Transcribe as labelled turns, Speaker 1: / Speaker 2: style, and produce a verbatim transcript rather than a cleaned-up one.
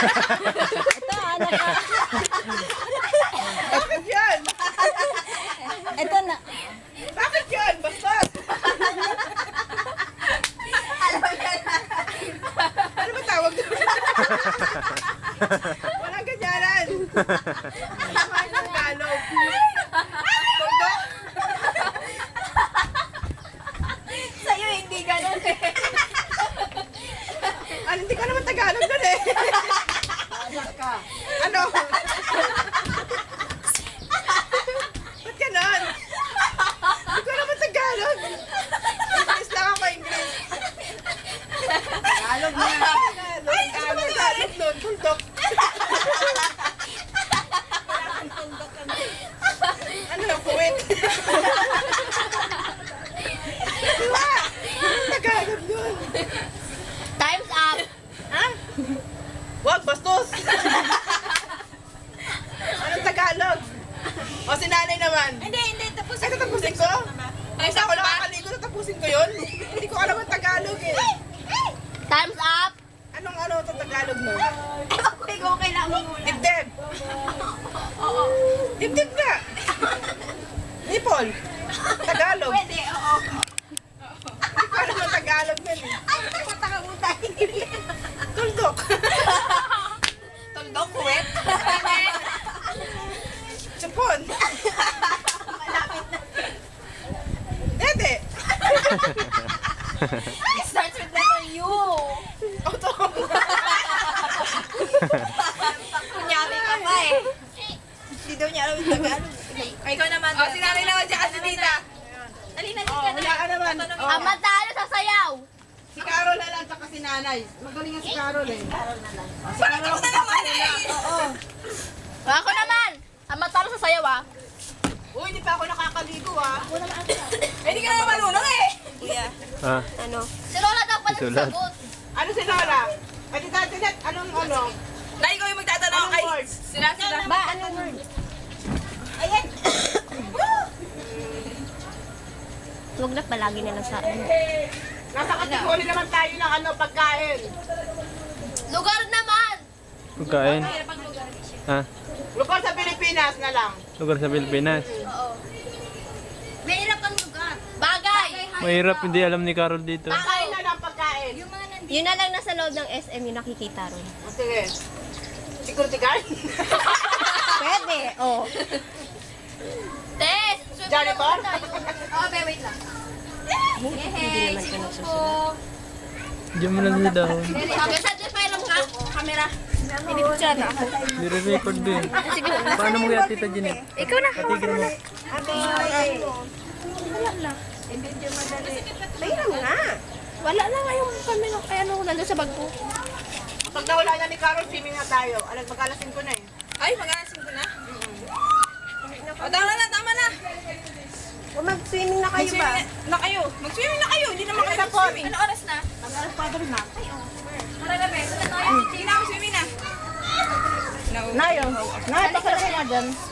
Speaker 1: Ito, anak.
Speaker 2: Bakit yan?
Speaker 1: Ito na.
Speaker 2: Bakit yan? Basta. Ano ba tawag doon? Walang ganyanan. Ano ba yung Tagalog? Tuldok?
Speaker 1: Sa'yo hindi ganun eh.
Speaker 2: Ano, hindi ka naman Tagalog doon eh. Ano? Ba't ganon? Hindi ko naman Tagalog. English lang ako, English. Tagalog na. Ay, ano ba Tagalog doon? Tuldok. Ano, puwit? Diba? Tagalog doon.
Speaker 1: Time's up.
Speaker 2: Ha? Wag, bastos! Anong Tagalog? O, si nanay naman.
Speaker 1: Hindi, hindi. Tapos
Speaker 2: Ay, tatapusin ko? Ay, sa ako nakakaligo, tatapusin ko yun? Hindi ko alam ang Tagalog eh.
Speaker 1: Time's up.
Speaker 2: Anong ano itong Tagalog mo?
Speaker 1: Ewan ko ikaw kailangan muna.
Speaker 2: Dibdib.
Speaker 1: Oo.
Speaker 2: Dibdib nga. Nipol. Tagalog.
Speaker 1: Pwede, oo.
Speaker 2: Hindi ko alam ang Tagalog nun eh.
Speaker 1: Ay, mataka mo tayo.
Speaker 2: Tuldok.
Speaker 1: Tuldok, kuwet.
Speaker 2: Chupon.
Speaker 1: Malapit na.
Speaker 2: Dede.
Speaker 1: It starts with letter U.
Speaker 2: Oto.
Speaker 1: Kunyari ka pa eh. Hindi daw niya alam yung Tagalog. Ay, ikaw naman.
Speaker 2: O, si nanay naman siya kasi tita.
Speaker 1: Alina,
Speaker 2: O, wala ka naman. O,
Speaker 1: Ang matalo sa sayaw.
Speaker 2: si Carol na lang, tsaka si nanay. Magaling nga si Carol eh.
Speaker 1: Carol na lang.
Speaker 2: O, si Carol na naman eh. Oo.
Speaker 1: Ako naman. Ang matalo sa sayaw ah.
Speaker 2: Uy, hindi pa ako nakakaligo ah.
Speaker 1: Eh, hindi ka naman marunong eh. Kuya,
Speaker 3: Ah,
Speaker 1: ano? Si Lola daw pala
Speaker 3: Sulat.
Speaker 1: sagot.
Speaker 2: Ano si Lola? Ay, tita, Tinet, anong ano?
Speaker 4: Dahil ko yung magtatanong
Speaker 2: Anong
Speaker 4: kay
Speaker 2: words?
Speaker 4: sila sila.
Speaker 1: Ba, anong word? Ayan. Huwag na palagi na lang sa ano.
Speaker 2: Nasa kategori naman tayo ng ano, pagkain.
Speaker 1: Lugar naman.
Speaker 3: pagkain. Ah,
Speaker 2: Lugar sa Pilipinas na lang.
Speaker 3: lugar sa Pilipinas.
Speaker 1: Oo. May hirap ang lugar. Bagay.
Speaker 3: Mahirap, hindi alam ni Carol dito.
Speaker 2: Pagkain na lang, pagkain.
Speaker 1: Yun na lang nasa loob ng S M yung nakikita ron.
Speaker 2: O, sige. Security guard?
Speaker 1: Pwede. Oh. Tess!
Speaker 2: Janitor?
Speaker 1: Oh, be, wait lang. Hindi naman ko nagsusunod.
Speaker 3: Diyan mo lang sa dahon.
Speaker 1: Okay, sa Jeff, lang ka? Camera. Pinipicture na ako.
Speaker 3: Hindi re-record din. Paano mo kaya tita Jeanette?
Speaker 1: Ikaw na.
Speaker 3: Patigil mo.
Speaker 1: Wala lang. Mayroon nga. Wala na nga yung camera. Kaya ano, nandun sa bag ko.
Speaker 2: Pag nawala na ni Carol, swimming na tayo. Alam, magkalasin ko na eh.
Speaker 4: Ay, mag-aasin ko na. O, tama na, tama na.
Speaker 1: Mag-swimming na kayo ba?
Speaker 4: Mag-swimming na kayo. Mag-swimming na kayo. Hindi naman kayo
Speaker 2: Sa
Speaker 4: mag-swimming.
Speaker 1: Ano oras na?
Speaker 2: Mag-alas pa rin na.
Speaker 4: Hindi na ako swimming na.
Speaker 2: Nayo. Nayo, pakalaki nga dyan.